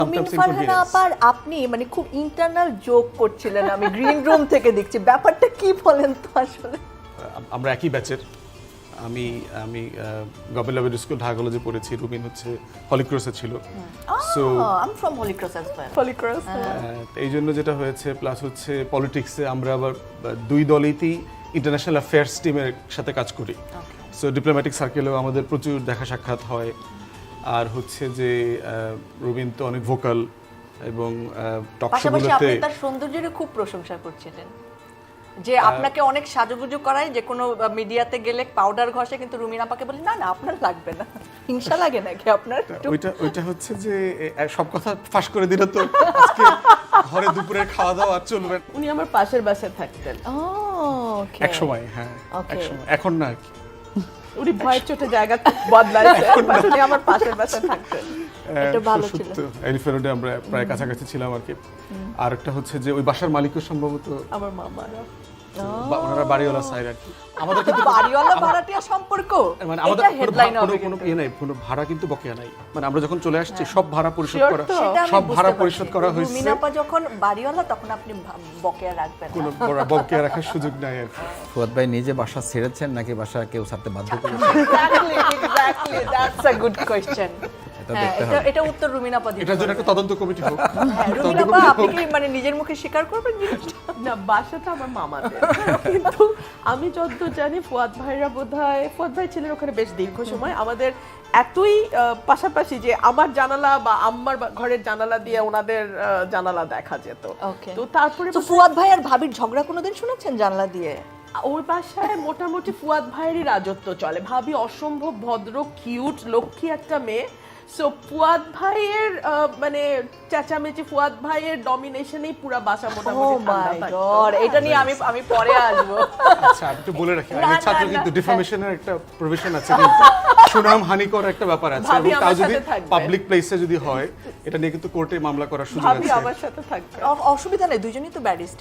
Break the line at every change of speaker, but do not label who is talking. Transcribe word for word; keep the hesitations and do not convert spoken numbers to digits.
মিন ফারহানা আপার আপনি মানে খুব ইন্টারনাল জোক করছিলেন, আমি গ্রিন রুম থেকে দেখছি, ব্যাপারটা কি বলেন তো আসলে?
আমরা একই ব্যাচের। আমি আমি গভর্নমেন্ট স্কুল ঢাকা কলেজে পড়েছি, রুবিন হচ্ছে হলিক্রসে ছিল।
So I am from Holy Cross as well.
Holy Cross
এই জন্য যেটা হয়েছে, প্লাস হচ্ছে পলিটিক্সে আমরা আবার দুই দলেই ইন্টারন্যাশনাল অ্যাফেয়ার্স টিমের সাথে কাজ করি। সো ডিপ্লোম্যাটিক সার্কেলেও আমাদের প্রচুর দেখা সাক্ষাৎ হয়। আর হচ্ছে যে রুবিন তো অনেক ভোকাল এবং টক
পাশাপাশি
শোগুলোতে
আপনি তার সৌন্দর্যের খুব প্রশংসা করছিলেন, যে আপনাকে অনেক সাজুগুজু করায়, যে কোনো মিডিয়াতে গেলে পাউডার ঘষে, কিন্তু রুমিন আপাকে বলি না না আপনার লাগবে না। হিংসা লাগে নাকি আপনার?
ওইটা ওইটা হচ্ছে যে এ, সব কথা ফাঁস করে দিলে তো আজকে ঘরে দুপুরের খাওয়া দাওয়া আর চলবে না।
উনি আমার পাশের বাসায় থাকতেন।
ও ওকে।
এক সময় হ্যাঁ
Okay.
এক সময়, এখন না আর কি।
উনি ভয়ের চোটে জায়গা বদলাইছে, but উনি আমার পাশের বাসায় থাকতেন।
এটা ভালো ছিল।
এলিফ্যান্ট রোডে আমরা প্রায় কাছাকাছি ছিলাম আর কি। আর একটা হচ্ছে যে ওই বাসার মালিকও সম্ভবত
আমার মামারা
বা ওনারা বাড়িওয়ালা সাইড আর কি। আমাদের কিন্তু
বাড়িওয়ালা ভাড়াটিয়া সম্পর্ক,
মানে আমাদের
এটা
কোনো
হেডলাইন
ভা- কোনো
হবে
কোনো
কিন্তু।
ইয়ে নাই, কোনো ভাড়া কিন্তু বকেয়া নাই। মানে আমরা যখন চলে আসছি সব ভাড়া পরিশোধ
Sure
করা,
তো?
সেটা আমি
সব
বুঝতে
ভাড়া
পারছি।
পরিশোধ করা হয়েছে।
রুমিন আপা যখন বাড়িওয়ালা তখন আপনি ভা- বকেয়া রাখবেন না।
কোনো বড় বকেয়া রাখার সুযোগ নাই আর কি।
ফুয়াদ ভাই নিজে বাসা ছেড়েছেন নাকি বাসা কেউ ছাড়তে বাধ্য করেছে?
Exactly, exactly, that's a good question.
এটা
হ্যাঁ,
দেখতে
এটা
হবে।
এটা উত্তর রুমিন আপা দিতে
এটার জন্য একটা তদন্ত কমিটি হোক।
হ্যাঁ, রুমিন আপা আপনি কি মানে নিজের মুখে স্বীকার করবেন জিনিসটা?
না, বাসাটা আমার মামাদের। কিন্তু আমি যতদূর জানি ফুয়াদ ভাইরা বোধহয়, ফুয়াদ ভাই ছিলেন ওখানে বেশ দীর্ঘ সময়। আমাদের এতই আহ, পাশাপাশি যে আমার জানালা বা আম্মার বা- ঘরের জানালা দিয়ে ওনাদের আহ, জানালা দেখা যেত।
Okay.
তো তারপরে
তো ফুয়াদ ভাই আর ভাবির ঝগড়া কোনোদিন শুনেছেন জানলা দিয়ে?
ওর বাসায় মোটামুটি ফুয়াদ ভাইয়েরই রাজত্ব চলে। ভাবি অসম্ভব ভদ্র, কিউট, লক্ষ্মী একটা মেয়ে। সো ফুয়াদ ভাইয়ের আহ, মানে চেঁচামেচি, ফুয়াদ ভাইয়ের ডমিনেশনেই পুরো বাসা
ও
মোটামুটি ঠান্ডা
মাই
থাকতো।
গড, এটা নিয়ে আমি আমি পরে আসবো।
আচ্ছা আমি একটু বলে রাখি,
না,
আইনের
না,
ছাত্র
না,
কিন্তু
হ্যাঁ।
ডিফামেশনের একটা প্রভিশন আছে, কিন্তু সুনাম হানিকর একটা ব্যাপার আছে,
ভাবি
এবং তা
আমার
যদি
সাথে থাকবে।
পাবলিক প্লেসে যদি হয় এটা নিয়ে কিন্তু কোর্টে মামলা করার সুযোগ
ভাবি
আছে।
আমার সাথে থাকবে।
অ- অসুবিধা নেই, দুইজনই তো ব্যারিস্টার।